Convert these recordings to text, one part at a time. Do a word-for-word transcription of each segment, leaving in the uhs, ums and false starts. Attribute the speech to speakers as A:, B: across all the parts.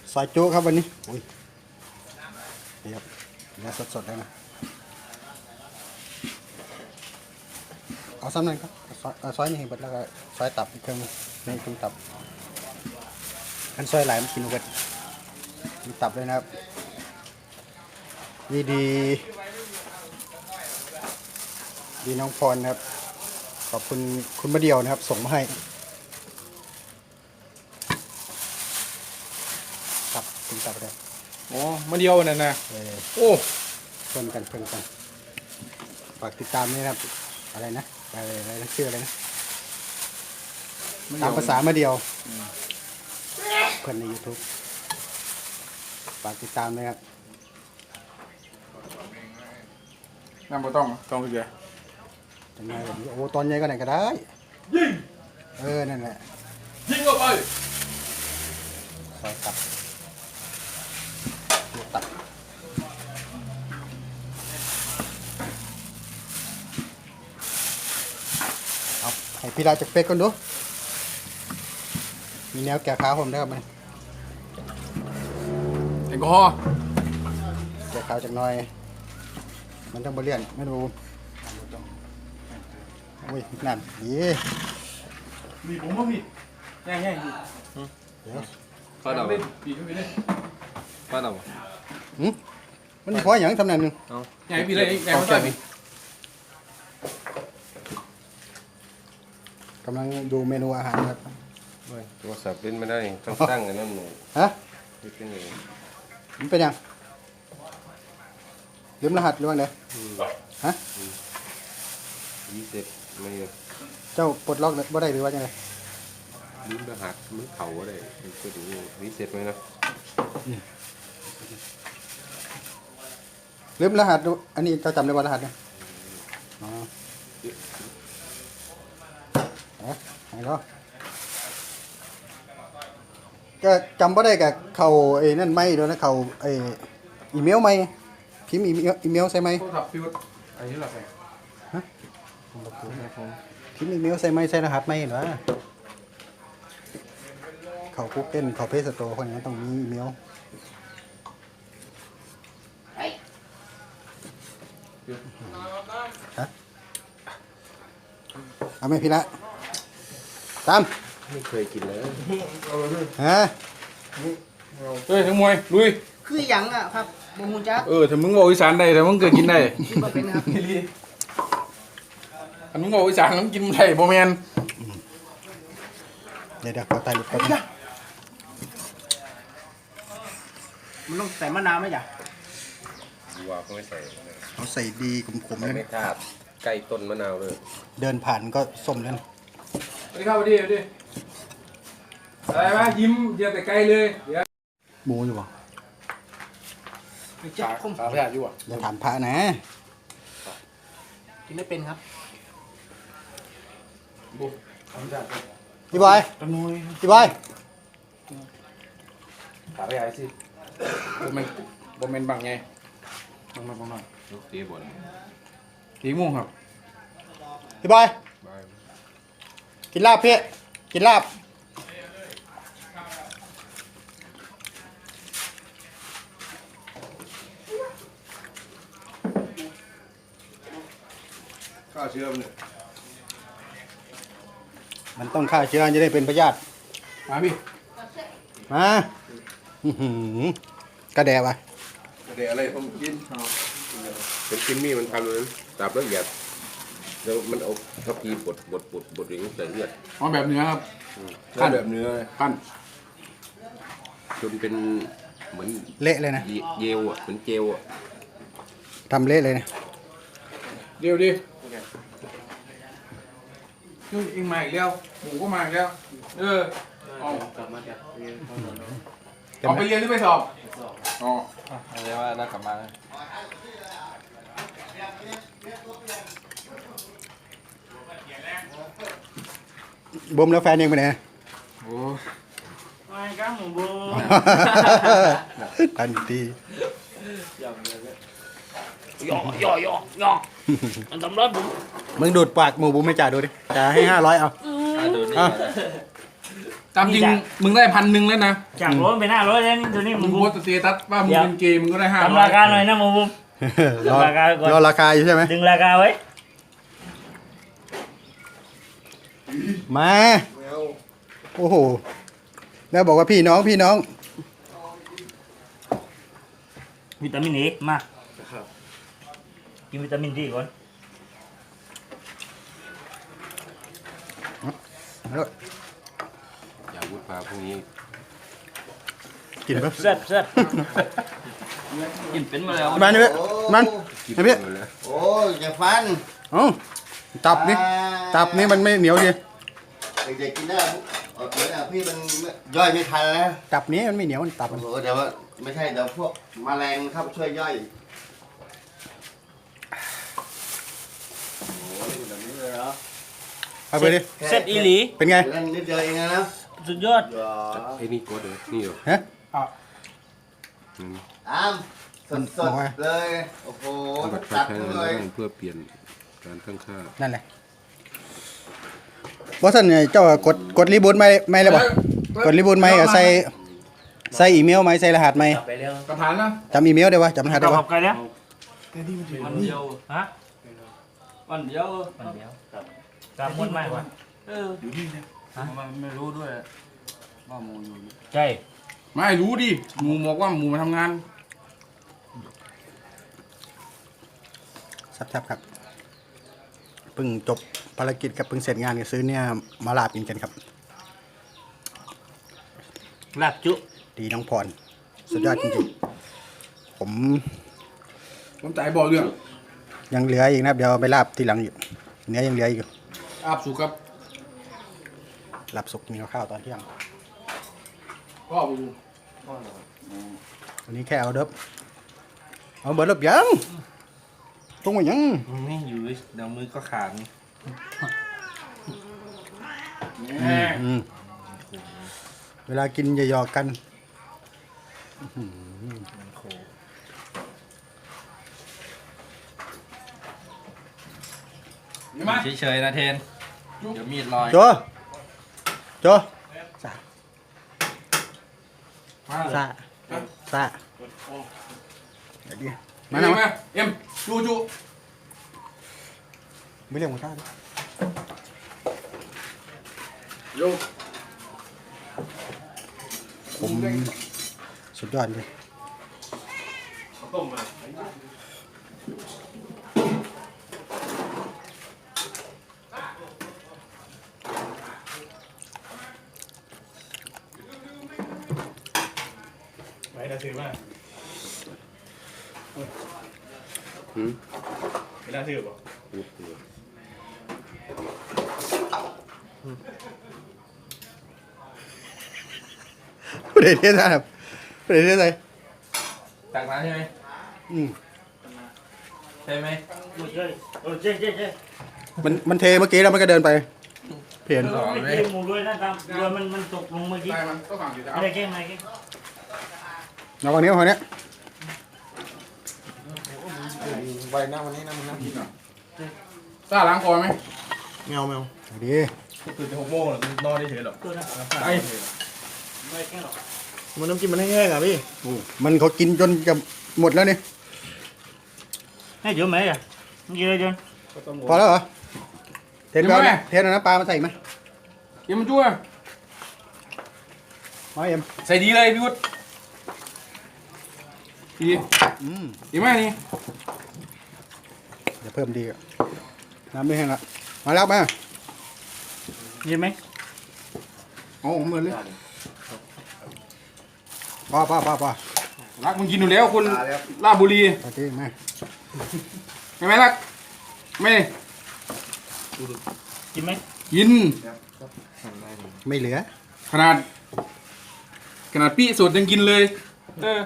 A: ซอยจุครับวันนี้อุ้ยนี่ครับเนื้อสดๆเลยนะเอาซ้ำนั่นครับซอยเอาซอยนี่ให้เบิดแล้วก็ซอยตับอีกเครื่องนึงนี่ตรงตับอันซอยหลายมันกินเบิดมีตับเลยนะครับดีดีดีน้องพรนะครับขอบคุณคุณมาเดียวนะครับส่งมาให้ตับกินตับเลย
B: อ๋อมาเดียวนั่นนะ
A: เออ
B: โอ้
A: เพิ่มกันเพิ่มกันฝากติดตามด้วยนะครับอะไรนะอะไรอะไรนะชื่ออะไรนะตามภาษามาเดียวเพื่อนใน YouTube ฝากติดตามด้วยครับ
B: น้ำบ่ต้องต้องคือไง
A: จังไงแบบนี้โอ้ตอนใหญ่ก็ไหนก็ได้ยิงเออนั่นแหละ
B: ยิงออกไป
A: ซอยตับตับเอาให้พี่ราจากเป็กก่อนดูมีแนวแก่ขาผมได้ครับมัน
B: แอลกอฮอล์
A: แก่ขาจากหน้อยมันต้องบริเลียนไม่รู้อุ้ยนั่นดี
B: มีผมบ่มีง่ายง่าย
A: เดี๋ยว
B: ฟาดเอาปีเข้าไปเลยฟาดเอา
A: หืมมันพออย่างทำนั่นหนึ่ง
B: เอาง่ายปีเลยง่ายมากเลย
A: กำลังดูเมนูอาหารครับ
C: โทรศัพท์เล่นไม่ได้ต้องตั้งอันนั้นหนู
A: ฮะ
C: คิดกันเอง
A: มันเป็นยังลืมรหัสหรือว่าไงฮะ
C: ยี่สิบไม่เยอะ
A: เจ้าปลดล็อกบ่ได้หรือว่ายังไง
C: ลืมรหัสมันเผาอะไรก็ดูวิเศษไหมนะ
A: ลืมรหัสดูอันนี้เจ้าจำได้ว่ารหัสเนี่ยอ๋อเอ๊ะไหนก็ก็จำบ่ได้กับเขาไอ้นั่นไม่ด้วยนะเขาไอ้อีเมลไม่พิมพ์อีเมลอีเมลใช่ไหม
B: โทรศัพท์ฟิวอันนี้หลักไง
A: พิมพ์อีเมลใส่ไหมใส่รหัสไม่เหรอเขาคุกเกิลเขาเพจสโตร์คนนี้ต้องมีอีเมลฮะเอาไหมพี่ละตาม
C: ไม่เคยกินเลย
A: ฮะ
B: เฮ้ยทั้งมวยลุย
D: คือหยังอ่ะครับบ่ฮู้จัก
B: เออถ้ามึงบอกอีสานได้แต่มึงเกิดกินได้
D: คิดว่าเป็นครับ
B: ถ้ามึงบอกอีสานมึงกินได้บ่แม่น
A: เดี๋ยวเดี๋ยวขอตายหลุดก่อน
D: มันต้องใส่มะนาวไหมจ๊ะ
C: วัวก็ไม่ใส่
A: เขาใส่ดีขมๆเลย
C: ไม่
A: นะ
C: ทาบใกล้ต้นมะนาวเลย
A: เดินผ่านก็ส้มเลยนะ
B: สวัสดีครับสวัสดีสวัสดีอะไรวะยิ้มเยอะแต่ไกลเลยเดี๋ยว
A: หมูอยู่ป่ะ
D: จับคม
B: ขาพยาธิอยู่อ่ะ
A: อย่าถามพระนะ
D: กินไม่เป็นครับ
B: บุขาพยาธิ
A: พี่บอย
B: ตะนุย
A: พี่บอย
B: ขาพยาธิสิบ่แม่นบ่แม่นบังไงบังมาบังมา
C: ลูกตีบน
B: กี่โมงครับ
A: พี่บอย
C: บาย
A: กินลาบพี่กินลาบ
C: ข้าวเชื่อมเนี่ย
A: มันต้องฆ่าเชื้อจะได้เป็นพยาธิ
B: มาพี่
A: มาอื้อหือกระแดะวะ
C: เดี๋ยวอะไรผมกินเป็นกินมี่มันทำเลยตับแล้วหยาบแล้วมันเอาทัพพีบดบดบดบดอย่างนี้ใส่เลือด
B: เอาแบบเนื้อครับ
C: ขั้นแบบเนื้อ
B: ปั้น
C: จนเป็นเหมือน
A: เละเลยนะ
C: เยเยลอ่ะเหมือนเจลอ่ะ
A: ทำเละเลยนะ
B: เดี๋ยวดินี่เองมาอีกแล้วหมูก็มาอีกแล้ว เออเอากลับมาจากเรียนเอาไปเรียนหรือไปสอบอ๋อ
E: อะไรว่าน่ากลับมานะ
A: บ่มแล้วแฟนเองไปไหน
B: โอ้
D: ไม่ครับหมูบู
A: ทันที
D: ย่อย่อย่อย่อมันทำร้ายผม
A: มึงดูดปากหมูบุ้มไม่จ่าดูดิจ่าให้ห้าร้อยเอา
E: อ่ะดูนี่
A: อ่ะ
E: ก่อนนะ
B: ตตามจริงมึงได้พันหนึ่งแล้วนะ
D: จากร้อยไปหน้าร้อยแล้วนี่ตัวนี้
B: มึ
D: มึ
B: ง
D: ง
B: โพสต์สเตตัสว่ามึงเป็นเกย์มึงก็ได้ห้าร้อย
D: ทำราคาหน่อยนะมึง
A: รอ
D: ราคาก่อน
A: รอราคาอยู่ใช่ไหม
D: ดึงราคาไว้
A: มาโอ้โหแล้วบอกว่าพี่น้องพี่น้อง
D: วิตามินเอมากินวิตามินดีก่อน
C: อย่าวุฒิพาพวกนี้
A: กินปะ
D: แซ่บแซ่บ
E: กินเป็นมาแล้ว
A: มันนี่เว้ยมัน
C: กิน
A: ไอ้พี่
C: หมดแล้ว
F: โอ้ยอย่าฟัน
A: เอ้าตับนี่ตับนี่มันไม่เหนียวดี
F: เด็กๆกินได้เอาเหมือนอ่ะพี่มันย่อยไม่ทันแล้ว
A: ตับนี้มันไม่เหนียวมันตับ
F: โอ้
A: มัน
F: โหเดี๋ยวว่าไม่ใช่เดี๋ยวพวกแมลงเข้าไปช่วยย่อยโอ้ยแบบนี้เลยเหรอ
A: เอาไปดิ
D: เซ็ตอีหลี
A: เป็นไง
F: เล่นนิดเดียวเองนะนะ
D: สุดยอด
F: อย่า
C: ไอ้นี่โกดเลยนี่เหรอ
A: ฮะ
C: อืม
F: อ้ามสดสดๆเลยโอ้โห
C: เอาแบบ
F: จัด
C: ใช้
F: เล
C: งาน
F: ย
C: ได้เพื่อเปลี่ยนการตั้งค่า
A: นั่นแหละบอสันเนี่ยเจ้ากดกดรีบูทไม่ไม่เลยบ่กดรีบูทไม่กับใส่ใส่อีเมลไหมใส่รหัสไหม
D: ไปเร็ว
B: ประธานนะ
A: จำอีเมลได้ปะจำรหัสได้
D: ขอ
A: ปะ
D: บกันแล้ว
E: วันเดียว
D: ฮะ
E: วันเดียว
D: วันเดียวกำมุดมากกว่า
E: เอออยู่นี่นะมันไม่รู้ด้วยว่าหมูอยู่นี่
D: ใช่
B: ไม่รู้ดิหมูบอกว่าหมูมาทำงาน
A: ครับครับเพิ่งจบภารกิจกับเพิ่งเสร็จงานก็ซื้อเนี่ยมาลาบกินกันครับ
D: ลาบจุ
A: ดีน้องพรสุดยอดจริงๆผม
B: ผมจ่ายบอกเรื่อง
A: ยังเหลืออีกนะครับเดี๋ยวเอาไปลาบทีหลังอยู่เนื้อยังเหลืออยู่
B: อาบสุกครับ
A: ลาบสุกมีข้าวตอนเที่ยง
B: พ่อไปดู
A: วันนี้แค่เอาเดิบเอาเบิร์ดเดิบยังตรงว่ายัง
E: ไม่อยู่เดี๋ยวมือก็ขาด
A: อืมเวลากินอย่าหยอกกัน
B: เห็นไหม
E: เฉยๆนะเทนเดี๋ยวมีดลอย
A: โจโจซา
B: มา
A: ซาซาเดี๋ยวดิ
B: มา
A: มา
B: ห
A: ห
B: น่
A: น่
B: อ
A: อย ย
B: เอ็มจูจู
A: ไม่เรียกมาซาดิ
B: โย
A: ผมสุดยอดเลย
B: ต้มมา
D: ไปได้ซื้อมา
C: หืม
D: ไม่ได้ซื้อป่ะ
C: พูดเลย
A: ผู้ใดเทียนครับผู้ใดเทียนอะไร
E: ตักน้ำใช่ไหม
A: อืม
E: ใช่ไหม
D: โอ้ใช่โอ้ใช่ใช่ใช่
A: มันมันเทเมื่อกี้แล้วมันก็เดินไปเพียน
D: ไม่เก่งหมูด้วยนะตามเรือมันมันตกลงเมื่อกี้
B: ได้มันก็สั่งอยู่แล้ว
D: ไม่ได้เก่งไม่ได้เก่ง
A: เอาฝั่งนี้เอาฝั่งนี้
F: ใบหน้าวันนี้นะมึงนะ
B: กินหน่อยซ่าล้างคอไหม
F: แมวแมว
A: เอาดี
E: ตื่นหกโมงหรอนอนได้เฉยหรอ
D: ตัวนะ
B: ไอ้
D: ไม่ได้เก่งหรอก
F: มันน้ำจิ้มมันแห้งๆอ่ะพี่
A: มันเขากินจนจะหมดแล้วนี่
D: ให้เดี๋ยวไหมอ่ะมึงกินอะไรจน
A: พอแล้วเหรอเทนเอาเทนเอาน้ำปลามาใส่อีกไหม
B: เอ็มมันชั่ว
A: มาเอ็ม
B: ใส่ดีเลยพี่วุฒิดี
A: อืม
B: ดีไหมนี่
A: เดี๋ยวเพิ่มดีอ่ะน้ำไม่แห้งละมาแล้วมา
D: กินไหม
B: โอ้ผมเหมือนเลย
A: ป้าป้าป้าป้า
B: รักมึงกินอยู่แล้วคนลาดบุรี
A: โอเคมา
B: ใช่ไหมรักไม่
D: กินไหม
B: กิน
A: ไม่เหลือ
B: ขนาด ขนาดปี้สดยังกินเลยเออ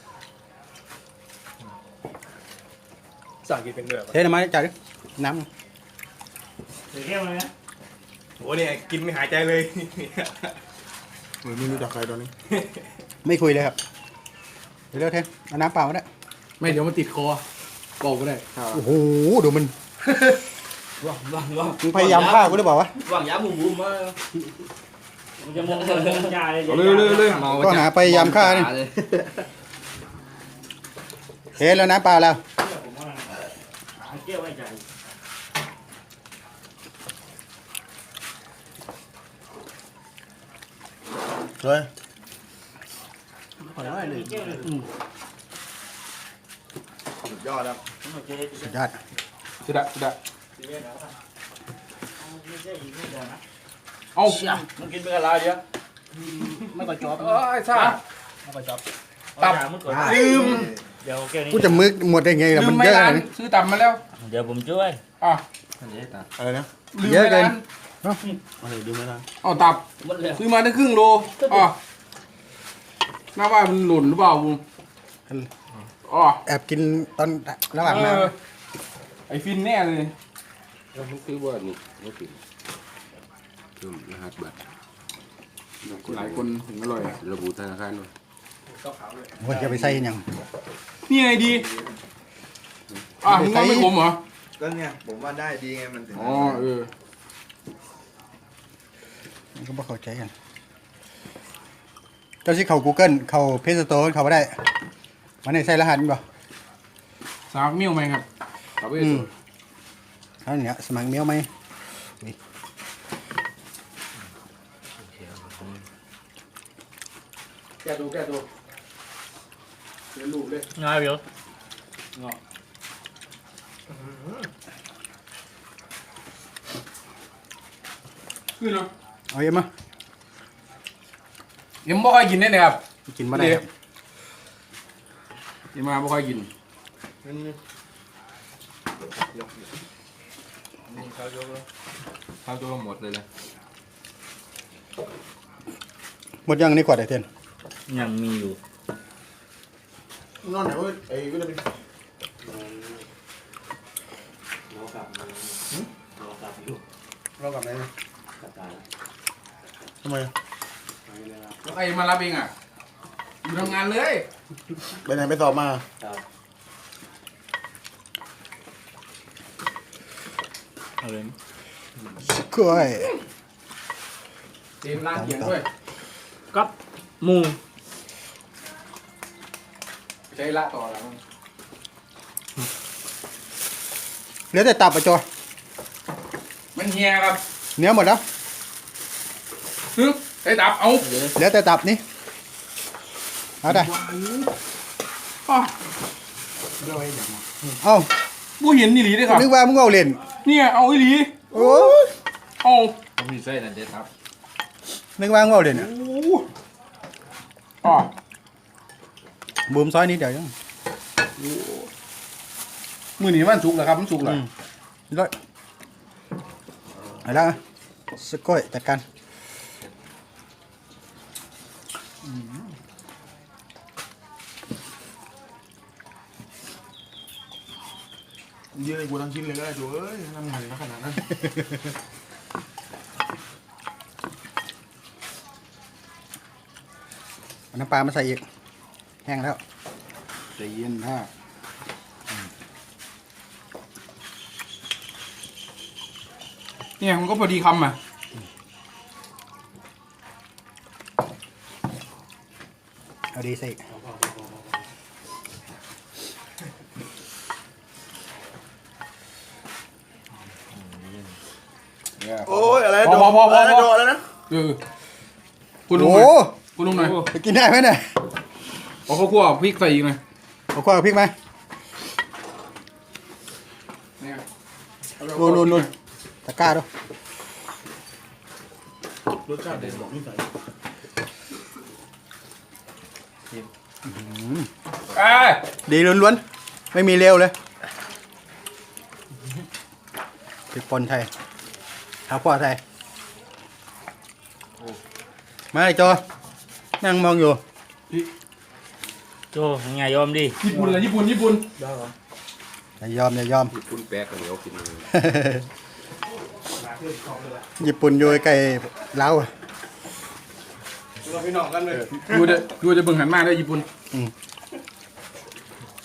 E: สั่งกินเป็นเดือบ
A: เทน้ำมาจ่ายดิน้
D: เดี๋ยวเก่งเลยนะ
E: โอ้เนี่ยกินไม่หายใจเลย
F: ไม่รู้จักใครตอนนี้
A: ำไม่คุยเลยครับเดี๋ยวเร็วเทนเอาน้ำเปล่ามาได้
B: ไม่เดี๋ยวมันติดคอบอกก็ได้
A: โอ้โหดูมัน
E: ว่างว่างว่าง
A: มึงพยายามฆ่ากูหรือเปล่าวะ
E: ว่างยาหมูหมูมา
D: มันจะมองเรื่องยาเลย
B: เอาเลยเลยเลย
A: ก็หาไปยามฆ่านี่เฮ้แล้วน้ำเปล่าแล้ว
D: ผมว่าเกี่ยวไว้ใจ
F: ช่วย
D: เกี่ยวเลย
F: สุดยอดครับ
A: สุดยอด
B: สุดอะสุดอะ
D: ไม่ใช่อีกไม่ได้นะ
B: เอา
E: มันกินเป็นอะไรเดียวไม่ก่อยจอบ
B: เออไอ้ซ่า
E: ไม่ก่อยจอบ
B: ตับ
D: มันก่อน
B: ลืม
D: เดี๋ยวแก้วนี้
A: กูจะมึกหมดได้ไงล่ะ
B: ลื
A: มั
B: ม
A: น
B: ไม่
A: เยอะ
B: ร้าน
A: เลย
B: ซื้อตับมาแล้ว
D: เดี๋ยวผมช่วย
B: อ่ะ
F: อะไรนะ
B: ลืม
A: เยอะ
B: ไม่
A: เกิน
B: ร้าน
F: อะไรดูไหมนะ
B: เอาตับ
D: หมดเลย
B: ซื้อมาได้ครึ่งโลอ๋อน่าว่ามันหล่นหรือเปล่าบุ้งอ๋อ
A: แอบกินตอนระหว่าง
B: เอ
A: น้
B: อไอฟินแน่เลย
C: แล้วมันคือว่านี่ไม่ปิดเพิ่มรหัสบัตร
B: หลายคนถึงอร่อยอะ
C: ระบุธนาคารหน่อย
A: ำว่าจะไปใส่ยัง
B: นี่ไงดีอ่ะมึงว่าไม่ขมเหรอ
F: ก็เนี่ยผมว่าได้ดีไงมันถึง
B: อ๋อเออ
A: มันก็บ่เข้าใจกันเจ้าที่เขา Google เขาเพจสโตร์เขาไม่ได้มันได้ใส่รหัสมั้ยบ่
B: สามมิ้วไหมครับครับ
A: อืมเอาเนี่ยสมัครเมียวไหมอุ๊ย
B: แกดูแกดูเดี๋ยวลูกเลย
D: ง่ายเดียว
B: ขึ้นเนาะ
A: เอาเอ็มมา
B: ยังไม่ค่อยกินได้เลยครับ
A: กินมาได้ครับ
B: ยังมาไม่ค่อยกิน
C: ข้าวตัวหมดเลยนะ
A: หมดยังในขวดไอเทน
D: ยังมีอยู่
F: นอนไหนวะไอ้วิตามิน
A: เรากลับไหนนะ
F: ทำไม
B: แล้วใครมารับเองอ่ะอยู่ทำงานเลย
F: ไปไหนไปสอบมา
D: เอาเลย
A: สกล้วย
B: เตรียมร้านเขียงด้วย
D: กับหมู
B: ใช้ละต่อแล้ว
A: เหลือแต่ตับอ่ะจอ
B: มันเฮียครับ
A: เนื้อหมดแล้ว
B: ฮึใช้ดับเอา
A: เหลือแต่ตับนี่เอาได้
B: อ๋อ
A: เอา
B: ผู้เห็นนี่หลีด้วยครับ
A: นึกว่ามึงเอาเล่น
B: เนี่ยเอาอีหลี
A: โอ้ย
B: เอา
E: ผมมีไส้นั่นเด็ดครับ
A: นึกว่ามึงเอาเล่นอ่ะ
B: โอ้อ๋อ
A: บูมซอยนี้เดี๋ยวยัง
B: มือหนีมันสุกเหรอครับมันสุกเหรอ
A: อืมร้อยเอาละสกล้วยจัดการ
F: ยืนให้กูทั้งชิ้นเลยก็ได้จูเอ้ยทำไงขนาดนั้น
A: เอาน้ำปลามาใส่อีกแห้งแล้วใจเย็นฮะ
B: เนี่ยมันก็พอดีคำอ่ะ
A: เอาดีใส่อีก
F: โอ้ยอะไร
B: พอพอพอพอ
F: อะไร
B: พ
F: โด
B: อ
F: ดแล้วนะ
B: เออคุณลุงห
A: โอ้
B: น่อยคุณลุงหน่อย
A: จะกินได้ไหมเนี่ย
B: เอาข้าวคั่วพริกใส่อีกหน่อย
A: เอาข้าวกับพริกไหม
B: เนี่ย
A: นู่นนู่นนู่นตะกร้าดู
F: รสชาติเด็ดบอกนี่ใส่
B: เอ้ย
A: ดีล้วนๆไม่มีเลวเลยพริกป่นไทยข้าวคั่วไทยมาเลยโจนั่งมองอยู่
D: โจ้ยังไงยอมดิ
B: ญี่ปุ่นเหรอญี่ปุ่นญี่ปุ่น
A: อย่ายอมอย่ายอม
C: คุณแป๊กกันเหนียวกินเลย
A: ญี่ปุ่นอยู่ใกล้ลาวอะ
F: พี่น้องกันเลย
B: ดูจะดูจะเบิ่งหันมาได้ญี่ปุ่น
A: อืม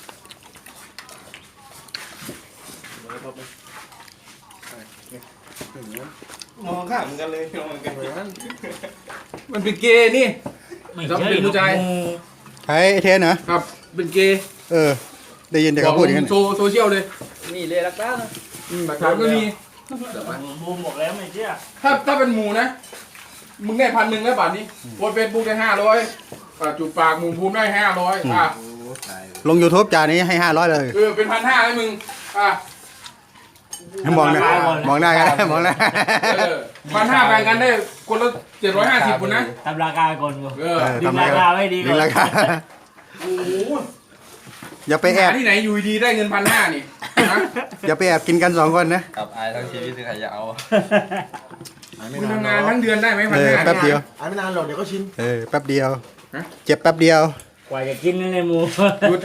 F: เ
E: มองข้ามกันเลยมองกันเลย
B: มันเป็นเกย์นี่
D: ไม่
B: ต้อง
D: ใช่
B: เป็นผู้ชาย
A: ใครไอ้เทนเหรอ
B: ครับ เป็นเกย์
A: เออ ได้ยินแต่เขาพูดอย่างนั้น
B: โซโซเชียลเลย
E: นี่เลยรักษา
B: อืมหลักฐานก็มี
D: บูมบอกแล้วไม่เชื่อ
B: ถ้าถ้าเป็นหมูนะ มึงได้พันหนึ่งแล้วบาทนี้โพสเฟซบุ๊กได้ห้าร้อยจุดปากหมูภูมิได้ห้าร้อยอ่ะ
A: ลง YouTube จานนี้ให้ห้าร้อยเลย
B: เออเป็นพันห้าเลยมึงอ่ะ
A: มองหน้ามองหน้ากันมองหน้า
B: เออพันห้าแบ่งกันได้คนละเจ็ดร้อยห้าสิบคนนะ
D: ทำราคาก่อนกู
B: เออ
A: เออ
D: ดึง
A: ทำไม
D: ราคาไม่ดีก่
A: ดึ
D: อง น
A: ราคา
B: โอ้โห
A: อย่าไปแอ
B: หา
A: บ
B: ที่ไหนอยู่ดีได้เงินพันห้านี่นะ
A: อย่าไปแอบกินกันสองคนนะ
E: กับอายทั้งชีวิตที่ใครจะเอา
B: มึงทำงานทั้งเดือนได้ไหมพั
A: เอน อ
B: ห้า
A: แป๊บเดียว
F: อ่านไม่นานหรอกเดี๋ยวก็ชิน
A: เออแป๊บเดียว
B: ฮะ
A: เจ็บแป๊บเดียว
D: กว่าจะกินนั่นเลยหมู
B: หยุด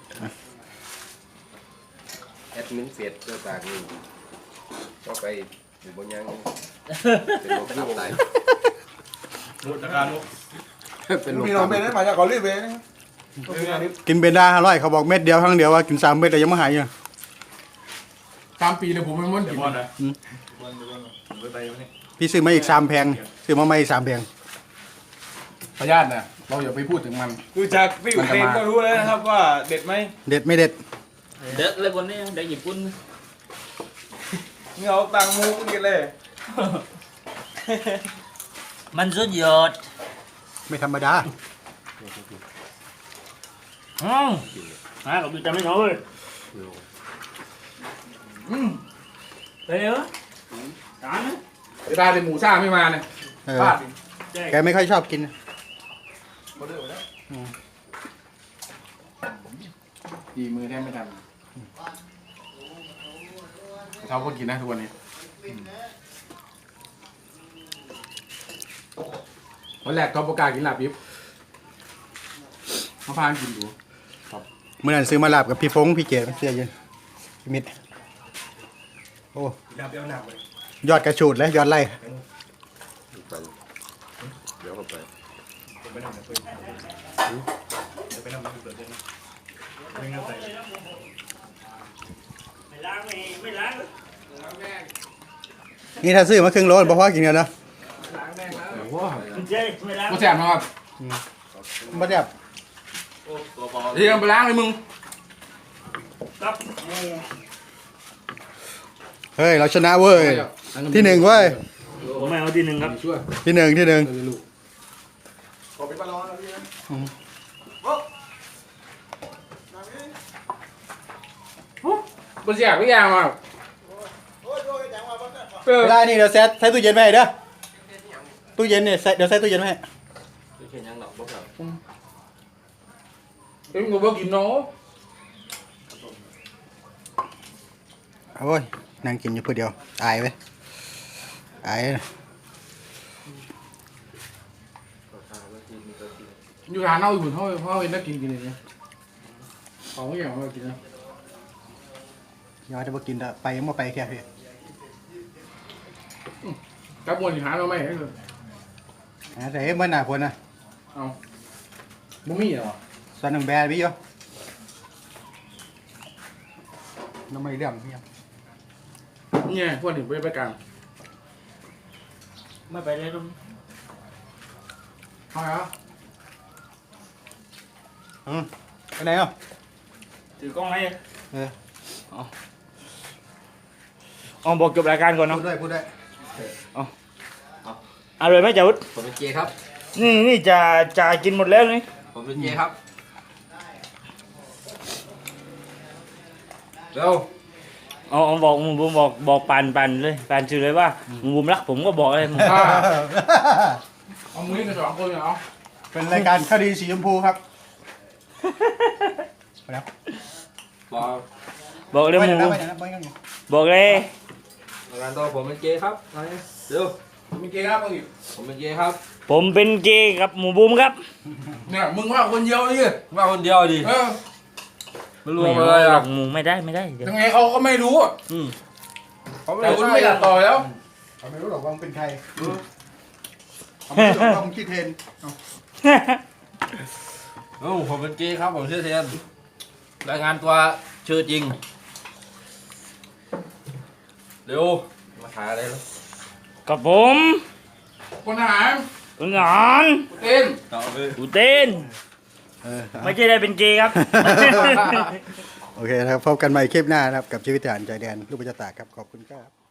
C: แอดมินเฟซเจ้าตากนี่ก็ไปอยู่บนยังเป็นโรคตับไต
B: เป็นลม
F: มีเราเป็นได้มาจากเกาหลีเว้ย
A: กินเบนด้าอร่อยเขาบอกเม็ดเดียวครั้งเดียวว่ากินสามเม็ดแต่ยังไม่หายอยู่
B: สามปีเลยผมไม่ม้วนกิน
A: พี่ซื้อมาอีกสามแพงซื้อมาใหม่อีกสามแพง
B: พยาธินะเราอย่าไปพูดถึงมัน
E: ดูจากพี่อุเทนก็รู้แล้วนะครับว่าเด็ดไหม
A: เด็ดไม่เด็ด
D: เด็กเลยคนนี้เด็กญี่ปุ่น
E: เงาตังมูกินเลย
D: มันสุดยอด
A: ไม่ธรรมดา
D: อืมอ่ะกับดูจำไม่น้อยอืมไปเหรอตามนะ
B: เวลาเป็นหมูซ่าไม่มาเนี่ย
A: เออ
B: พลาด
A: แกไม่ค่อยชอบกิน
B: ดีมือแทบไม่ทันเขาก็กินนะทุกวันนี้วันแรกท็อปโอกาสกินลาบยิบเขาพากินดู
A: เมื่อนั้นซื้อมาลาบกับพี่ฟงพี่เก๋เสียเย็นพี่มิดโอ้ยอดกระชูดเลยยอดไล่
C: ไปเดี๋ยวเข้าไป
D: ไม่ล้างไม่ไม่ล้าง
A: นี่ถ้าซื้อมาครึ่งโลบ่พอกินกันเนาะ
B: เดี๋ยวว่า
D: เจ๊ไม่ล้าง
B: กูแสบนะครับ
A: บ่แบบ
B: เดี๋ยวไปล้างเลยมึง
D: ครับหมู
A: เฮ้ยเราชนะเว้ยที่หนึ่งเว้ย
D: ผมไม่เอาที่หนึ่งครับ
B: ช่วย
A: ที่หนึ่งที่หนึ่ง
B: เออลูก
F: ขอเป็นปลาร้อนนะพี่นะ
B: กูแสบไม่ยางมา
F: โอ้ยโอ้ยจังหวะบ้านเนี่ย
B: เออ
A: เวลานี่เดี๋ยวแซะใส่ตู้เย็นไว้ให้เด้อตู้เย็นเนี่ยใส่เดี๋ยวใส่ตู้เย็นไว้ให้
B: เอ็มกูบอกกินเนาะ
A: โอ้ยนั่งกินอยู่เพื่อเดียวอายเว้ยอาย
B: อยู่ร้านเอาอยู่เขาเขาเอ็นได้กินกินอย่างเงี้ยเขาไม่อยากมากินนะ
A: ย้อนจะมากินแต่ไปยังมาไปแค่เพีย
B: กระบวนหาเราไม่ให้เลย
A: แต่เมื่อหน้าคนนะ
B: เอาบุ้มี่เหรอ
A: ส่วนหนึ่งแบร์พี่โยน้ำไม่เรื่องพี่
B: เนี่ยพวกถึงไปไปกลาง
D: ไม่ไปเลยตรง
B: เอาเหรอ
A: อืมไปไหนอ่ะ
D: ถือกล้องให้
A: เออ
D: อ๋อบอกจบรายการก่อน
A: พู
D: เนาะ
A: ดได้พูดได้
D: อร่อยไหมจ่าวุฒิ
E: ผมเป็นเจครับ
D: นี่นี่จะจะกินหมดแล้วนี่
E: ผมเป็นเจครับเร็ว
D: อ๋ออ๋อบอกมึงบุมบอกบอกปานปานเลยปานชื่อเลยว่ามึงบุมรักผมก็บอกเลยมึง
B: อ่าเอามือกันสองคนเหรอ
A: เป็นรายการคดีสีชมพูครับไปแล้ว
E: บอก
D: บอกเลย
A: ไป
D: มึ
A: ไหน
D: ง
A: นะไปไหนนะไปยังไง
D: บอกเลย
E: งานตัวผมเป็นเจครับเร็ว
B: มีเกย์ครับมึงอีก
E: ผมเป็นเจครับ
D: ผมเป็นเกย์กับหมูบูมครับ
B: เนี่ยมึงว่าคนเดียวนี่
E: มาคนเดียวดิ
B: เออ
E: ไม่รู้
D: ไม่
E: อะ
D: เอา
E: ไร
D: หร
E: อ่ะ
D: อกหมูไม่ได้ไม่ได้เดี๋ยว
B: ยังไงเขาก็ไม่รู้
E: อืมเขาไม่
B: แต่
E: ได้
B: คุณไม่ตัดต่อแล้ว
A: เขาไม่รู้หรอกว่ามึงเป็นใครเขาไม่รู้หรอกว่ามึงชื่อเทน
E: โอ้ผมเป็นเจครับผมชื่อเทียนรายงานตัวชื่อจริงเร็วมาหาอะไรแล้ว
D: กับผม
B: คนอาหาร
D: คุณหนอน
B: เต้น
D: อูเต้น
A: เออ
D: ไม่ใช่ได้เป็นเกย์ครับ
A: โอเคนะครับพบกันใหม่คลิปหน้านะครับกับชีวิตทหารใจแดนลูกประชาตากครับขอบคุณครับ